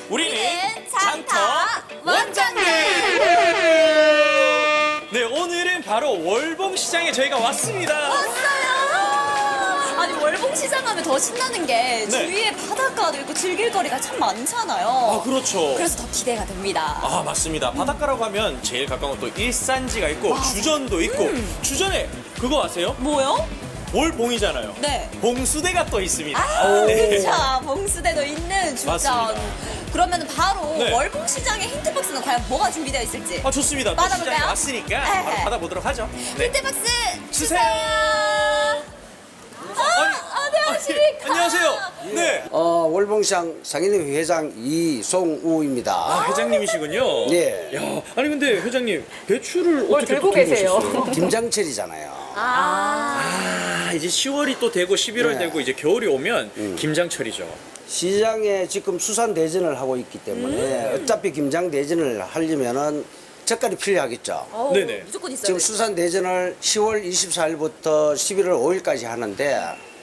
우리는 장터 원장님. 네, 오늘은 바로 월봉시장에 저희가 왔습니다. 왔어요. 아니 월봉시장 하면 더 신나는 게 주위에 바닷가도 있고 즐길 거리가 참 많잖아요. 아, 그렇죠. 그래서 더 기대가 됩니다. 아, 맞습니다. 바닷가라고 하면 제일 가까운 또 일산지가 있고 주전도 있고 주전에 그거 아세요? 뭐요? 월봉이잖아요. 네. 봉수대가 또 있습니다. 아, 네. 자, 봉수대도 있는 주전. 맞습니다. 그러면 바로 네. 월봉시장의 힌트박스는 과연 뭐가 준비되어 있을지. 아, 좋습니다. 또 받아볼까요? 시장에 왔으니까 네. 바로 받아보도록 하죠. 네. 힌트박스 주세요. 안녕하십니까. 안녕하세요. 네. 월봉시장 상인회 회장 이송우입니다. 아, 회장님이시군요. 네. 야, 아니 근데 회장님 배추를 어떻게 들고 또 계세요? 오셨어요? 김장철이잖아요. 아, 이제 10월이 또 되고 11월 네. 되고 이제 겨울이 오면 김장철이죠. 시장에 지금 수산 대전을 하고 있기 때문에 어차피 김장 대전을 하려면은 젓갈이 필요하겠죠. 네네. 무조건 있어요. 지금 수산 대전을 10월 24일부터 11월 5일까지 하는데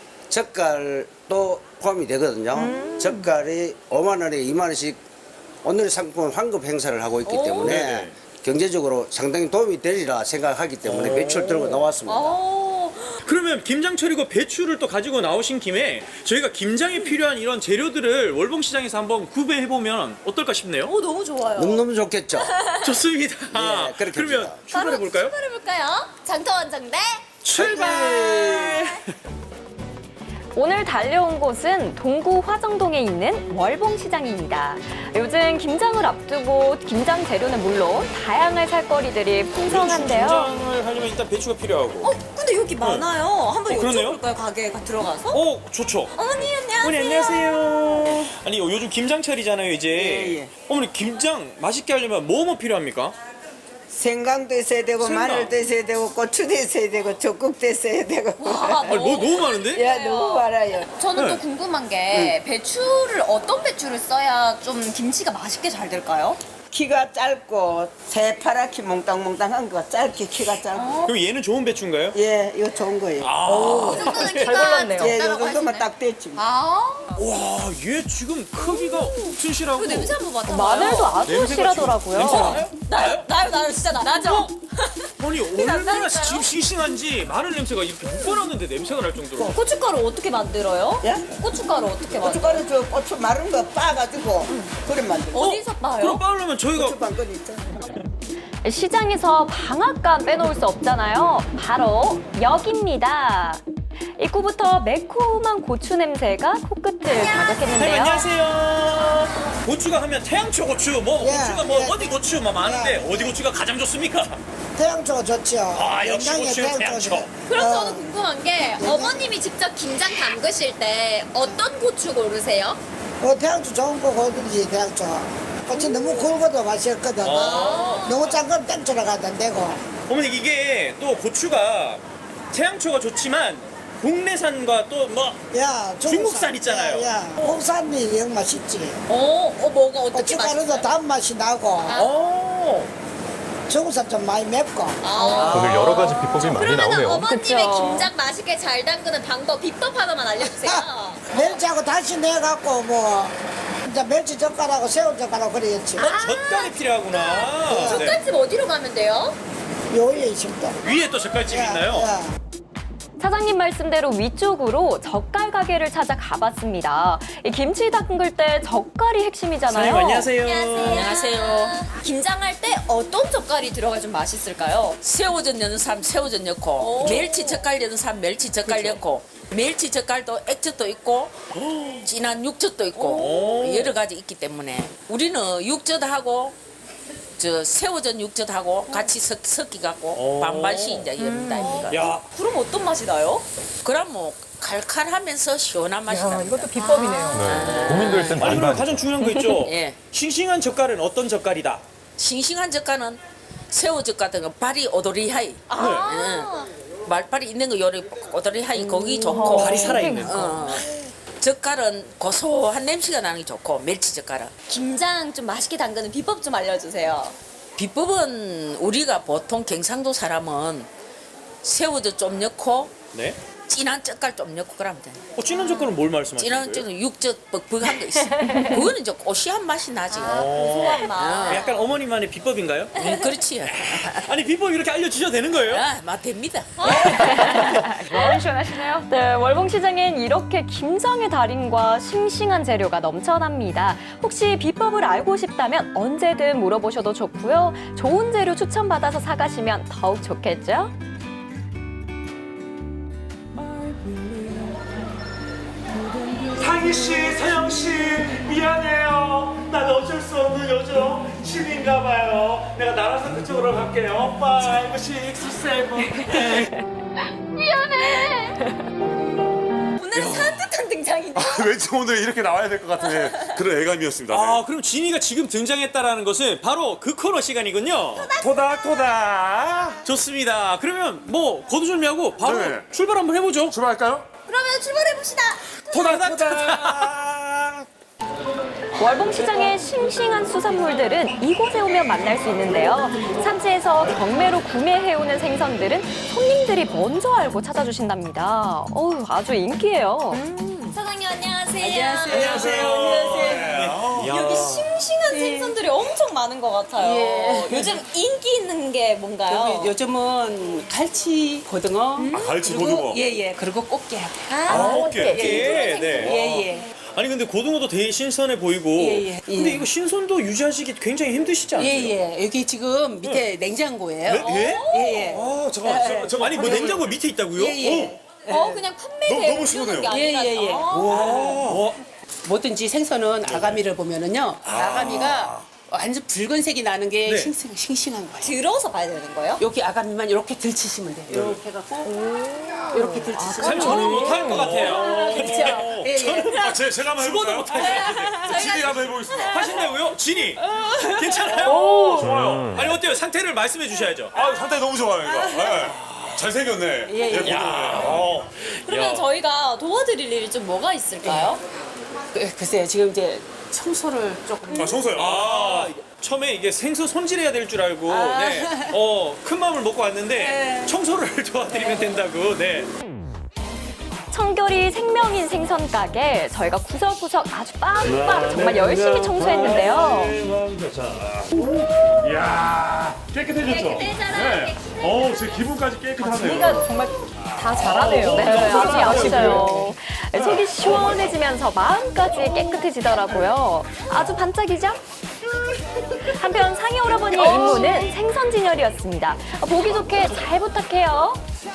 젓갈도 포함이 되거든요. 젓갈이 5만 원에 2만 원씩 오늘 상품 환급 행사를 하고 있기 때문에 네네. 경제적으로 상당히 도움이 되리라 생각하기 때문에 배추를 들고 나왔습니다. 그러면 김장철이고 배추를 또 가지고 나오신 김에 저희가 김장에 필요한 이런 재료들을 월봉시장에서 한번 구매해보면 어떨까 싶네요. 너무 좋아요. 너무너무 좋겠죠. 좋습니다. 네, 그렇게 그러면 합시다. 출발해볼까요? 출발해볼까요? 장터 원정대 출발! 오늘 달려온 곳은 동구 화정동에 있는 월봉시장입니다. 요즘 김장을 앞두고 김장 재료는 물론 다양한 살거리들이 풍성한데요. 김장을 하려면 일단 배추가 필요하고. 근데 여기 많아요. 한번 그러네요. 여쭤볼까요? 가게에 들어가서? 좋죠. 어머니 안녕하세요. 어머니 안녕하세요. 아니 요즘 김장철이잖아요 이제. 예. 어머니 김장 맛있게 하려면 뭐 필요합니까? 생강도 있어야 되고 생강. 마늘도 있어야 되고 고추도 있어야 되고 적국도 있어야 되고 와, 아니 뭐 너무 많은데? 야 너무 많아요. 저는 네. 또 궁금한 게 배추를 어떤 배추를 써야 좀 김치가 맛있게 잘 될까요? 키가 짧고 새파랗게 몽땅몽땅한 거 짧게 키가 짧고 그럼 얘는 좋은 배추인가요? 예 이거 좋은 거예요. 이 정도는 잘 키가 골랐네요. 예, 요 적다라고 정도만 하시네. 딱 됐지. 와, 얘 지금 크기가 튼실하고. 그 냄새 한번 맡아봐요. 마늘도 아주 냄새가 실하더라고요. 냄새 나요? 나요 진짜 나죠? 아니 얼마나 난다니까요? 지금 싱싱한지 마늘 냄새가 이렇게 묶어놨는데 냄새가 날 정도로. 고춧가루 어떻게 만들어요? 예? 고춧가루 어떻게 만들어요? 고춧가루 저 고추 마른 거 빻아가지고 그래 만들어. 어디서 봐요? 그럼 빠르면 저희가 고추방건 있잖아. 시장에서 방앗간 빼놓을 수 없잖아요. 바로 여기입니다. 입구부터 매콤한 고추 냄새가 코끝을 할머니 자극했는데요. 안녕하세요. 고추가 하면 태양초 고추, 뭐 예, 고추가 뭐 예. 어디 고추 뭐 많은데 어디 고추가 가장 좋습니까? 태양초가 좋죠. 아, 역시 영양에 고추는 태양초가 태양초. 그럼 저는 궁금한 게 어머님이 직접 김장 담그실 때 어떤 고추 고르세요? 태양초 좋은 거 고르지 태양초. 꽃이 너무 굵어도 맛이 없거든. 너무 짠 건 땡초로 가도 안 되고. 어머니 이게 또 고추가 태양초가 좋지만 국내산과 또 뭐 야, 중국산 있잖아요. 야, 국산이 영 맛있지. 뭐가 어떻게 고춧가루도 맛있어요? 단맛이 나고 중국산 좀 많이 맵고. 오늘 여러 가지 비법이 많이 그러면 나오네요. 어머님의 그쵸. 김장 맛있게 잘 담그는 방법, 비법 하나만 알려주세요. 멸치하고 다시 내갖고 뭐 이제 멸치 젓갈하고 새우 젓갈하고 그래야지. 젓갈이 필요하구나. 네. 젓갈집 어디로 가면 돼요? 요리에 있습니다. 위에 또 젓갈집이 있나요? 사장님 말씀대로 위쪽으로 젓갈 가게를 찾아 가봤습니다. 이 김치 담글 때 젓갈이 핵심이잖아요. 사장님 안녕하세요. 안녕하세요. 김장할 때 어떤 젓갈이 들어가 좀 맛있을까요? 새우젓 넣는 사람 새우젓 넣고 멸치 젓갈 넣는 사람 멸치 젓갈 넣고 멸치 젓갈도 액젓도 있고 진한 육젓도 있고 여러 가지 있기 때문에 우리는 육젓하고 저 새우젓 육젓하고 같이 섞이 갖고 반반씩 이제 이런다 이거. 야, 그럼 어떤 맛이 나요? 그럼 뭐 칼칼하면서 시원한 맛이 납니다. 이것도 비법이네요. 네. 고민될 땐 아니 그럼 반반. 가장 중요한 거 있죠? 예. 싱싱한 젓갈은 어떤 젓갈이다? 싱싱한 젓갈은 새우젓 같은 거 발이 오도리하이 말발이 있는 거 요리 오도리하이 거기 좋고 발이 살아있는. 젓갈은 고소한 냄새가 나는 게 좋고 멸치 젓갈은 김장 좀 맛있게 담그는 비법 좀 알려주세요. 비법은 우리가 보통 경상도 사람은 새우젓 좀 넣고 네. 진한 젓갈 좀 넣고 그러면 돼. 진한 젓갈은 뭘 말씀하시는 진한 거예요? 젓갈 육젓 뻑뻑한 거 있어. 그거는 이제 고시한 맛이 나지. 고소한 맛. 약간 어머니만의 비법인가요? 그렇지. 아니 비법 이렇게 알려주셔도 되는 거예요? 맛 됩니다. 마음이 시원하시네요. 네, 월봉시장엔 이렇게 김장의 달인과 싱싱한 재료가 넘쳐납니다. 혹시 비법을 알고 싶다면 언제든 물어보셔도 좋고요. 좋은 재료 추천받아서 사가시면 더욱 좋겠죠? 상희 씨, 서영 씨, 미안해요. 난 어쩔 수 없는 요즘 신인가 봐요. 내가 나라서 그쪽으로 갈게요. 5, 6, 7. 오늘은 산뜻한 등장인데. 왠지 오늘 이렇게 나와야 될 것 같은 그런 애감이었습니다. 아 그럼 진이가 지금 등장했다라는 것은 바로 그 코너 시간이군요. 토닥토닥. 좋습니다. 그러면 뭐 거두절미하고 바로 네. 출발 한번 해보죠. 출발할까요? 그러면 출발해봅시다. 토닥토닥. 월봉시장의 싱싱한 수산물들은 이곳에 오면 만날 수 있는데요. 산지에서 경매로 구매해오는 생선들은 손님들이 먼저 알고 찾아주신답니다. 어우, 아주 인기예요. 사장님 안녕하세요. 안녕하세요. 여기 싱싱한 생선들이 엄청 많은 것 같아요. 예. 요즘 인기 있는 게 뭔가요? 요즘은 갈치, 고등어. 갈치, 그리고 고등어. 예예. 그리고 꽃게. 오케이. 네. 예예. 아니 근데 고등어도 되게 신선해 보이고. 예. 근데 이거 신선도 유지하시기 굉장히 힘드시지 않아요? 예예. 여기 지금 밑에 냉장고예요. 예? 예예. 아 잠깐. 아니 뭐 냉장고 밑에 있다고요? 예예. 그냥 판매대로 너무 시원해요. 키우는 게 아니라. 예. 와. 뭐든지 생선은 아가미를 보면은요. 아가미가 완전 붉은색이 나는 게 네. 싱싱한 거예요. 들어서 봐야 되는 거예요? 여기 아가미만 이렇게 들치시면 돼요. 이렇게 해갖고 이렇게 들치시면 사실 저는 못할 것 같아요. 그렇죠. 예. 제가 한번 죽어도 해볼까요? 못할 진이 한번 해보겠습니다. 하신다고요? 진이 괜찮아요? 좋아요. 아니 어때요? 상태를 말씀해 주셔야죠. 아 상태 너무 좋아요 이거. 네. 잘생겼네. 예. 고등어네. 그러면 저희가 도와드릴 일이 좀 뭐가 있을까요? 글쎄요. 지금 이제 청소를 조금. 청소요. 처음에 이게 생선 손질해야 될 줄 알고 큰 마음을 먹고 왔는데 청소를 도와드리면 된다고. 네. 청결이 생명인 생선 가게 저희가 구석구석 아주 빡빡 정말 열심히 청소했는데요. 이야 깨끗해졌죠? 네. 제 기분까지 깨끗하네요. 정말 다 잘하네요. 네, 아주 야무져요. 속이 시원해지면서 마음까지 깨끗해지더라고요. 아주 반짝이죠? 한편 상희 오라버니의 임무는 생선 진열이었습니다. 보기 좋게 잘 부탁해요.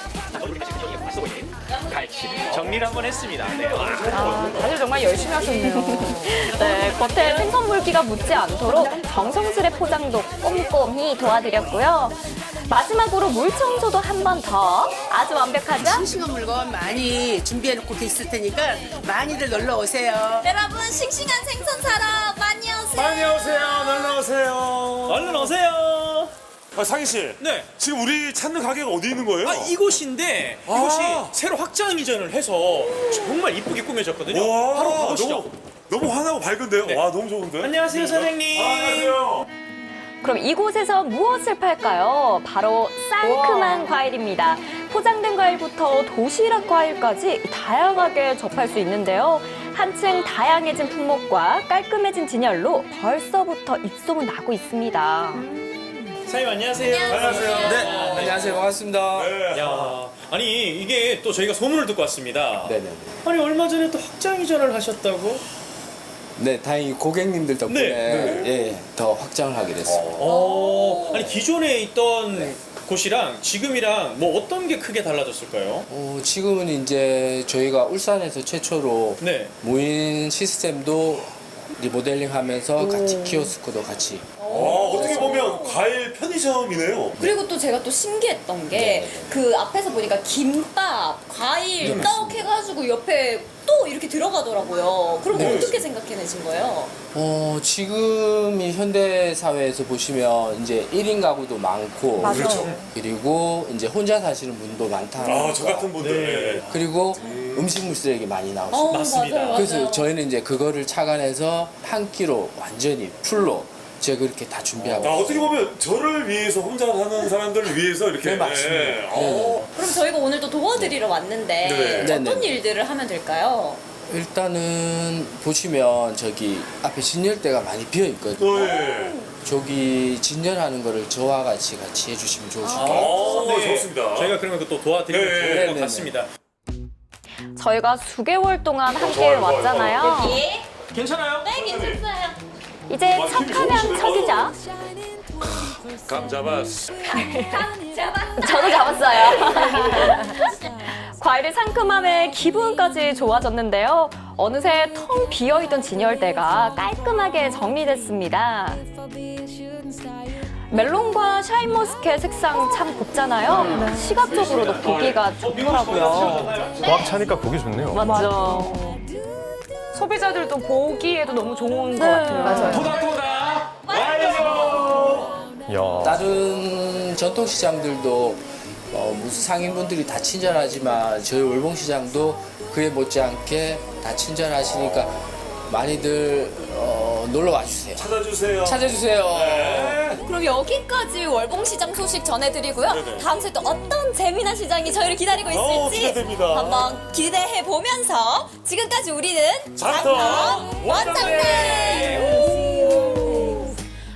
정리를 한번 했습니다. 네. 다들 정말 열심히 하셨네요. 네, 겉에 생선 물기가 묻지 않도록 정성스레 포장도 꼼꼼히 도와드렸고요. 마지막으로 물 청소도 한 번 더. 아주 완벽하죠? 싱싱한 물건 많이 준비해놓고 있을 테니까 많이들 놀러 오세요. 여러분 싱싱한 생선 사러 많이 오세요. 많이 오세요. 놀러 오세요. 얼른 오세요. 상희 씨. 네. 지금 우리 찾는 가게가 어디 있는 거예요? 이곳인데 이곳이 새로 확장 이전을 해서 정말 이쁘게 꾸며졌거든요. 와, 바로 가보시죠. 너무 환하고 밝은데요? 네. 와, 너무 좋은데? 안녕하세요, 사장님. 안녕하세요. 그럼 이곳에서 무엇을 팔까요? 바로 상큼한 과일입니다. 포장된 과일부터 도시락 과일까지 다양하게 접할 수 있는데요. 한층 다양해진 품목과 깔끔해진 진열로 벌써부터 입소문 나고 있습니다. 사장님 안녕하세요. 안녕하세요. 네, 안녕하세요. 반갑습니다. 네. 야, 아니 이게 또 저희가 소문을 듣고 왔습니다. 네네. 아니 얼마 전에 또 확장 이전을 하셨다고? 네, 다행히 고객님들 덕분에 예, 더 확장을 하게 됐습니다. 아니 기존에 있던 곳이랑 지금이랑 뭐 어떤 게 크게 달라졌을까요? 지금은 이제 저희가 울산에서 최초로 네. 무인 시스템도 리모델링하면서 같이 키오스크도 같이. 어떻게 보면 과일 편의점이네요. 그리고 또 제가 또 신기했던 게 그 앞에서 보니까 김밥, 과일 떡 해가지고 옆에 또 이렇게 들어가더라고요. 그럼 어떻게 생각해내신 거예요? 지금 이 현대 사회에서 보시면 이제 1인 가구도 많고 그렇죠. 그리고 이제 혼자 사시는 분도 많다. 저 같은 분들. 네. 그리고 음식물 쓰레기 많이 나오시고 맞습니다. 맞아요. 그래서 저희는 이제 그거를 착안해서 한 끼로 완전히 풀로 직접 그렇게 다 준비하고. 어떻게 보면 저를 위해서 혼자 사는 사람들을 위해서 이렇게. 네, 맞습니다. 예. 그럼 저희가 오늘 또 도와드리러 왔는데 네. 어떤 네네. 일들을 하면 될까요? 일단은 보시면 저기 앞에 진열대가 많이 비어 있거든요. 네. 저기 진열하는 거를 저와 같이 해주시면 좋으실 것 같아요. 네, 좋습니다. 저희가 그러면 또 도와드리면 네, 좋을 것 네, 같습니다. 저희가 수개월 동안 함께 좋아요, 좋아요, 왔잖아요. 예? 괜찮아요? 네, 괜찮아요. 이제 척하면 척이자. 감 잡았어. 저도 잡았어요. 과일의 상큼함에 기분까지 좋아졌는데요. 어느새 텅 비어있던 진열대가 깔끔하게 정리됐습니다. 멜론과 샤인머스켓 색상 참 곱잖아요. 시각적으로도 보기가 좋더라고요. 꽉 차니까 보기 좋네요. 맞죠. 소비자들도 보기에도 너무 좋은 것 같아요. 맞아요. 토닥토닥 완료. 야. 다른 전통시장들도 무슨 상인분들이 다 친절하지만 저희 월봉시장도 그에 못지않게 다 친절하시니까 많이들 놀러 와주세요. 찾아주세요. 찾아주세요. 그럼 여기까지 월봉시장 소식 전해드리고요. 다음 주에 또 어떤 재미난 시장이 저희를 기다리고 있을지 기대됩니다. 한번 기대해 보면서 지금까지 우리는 장터 원장님.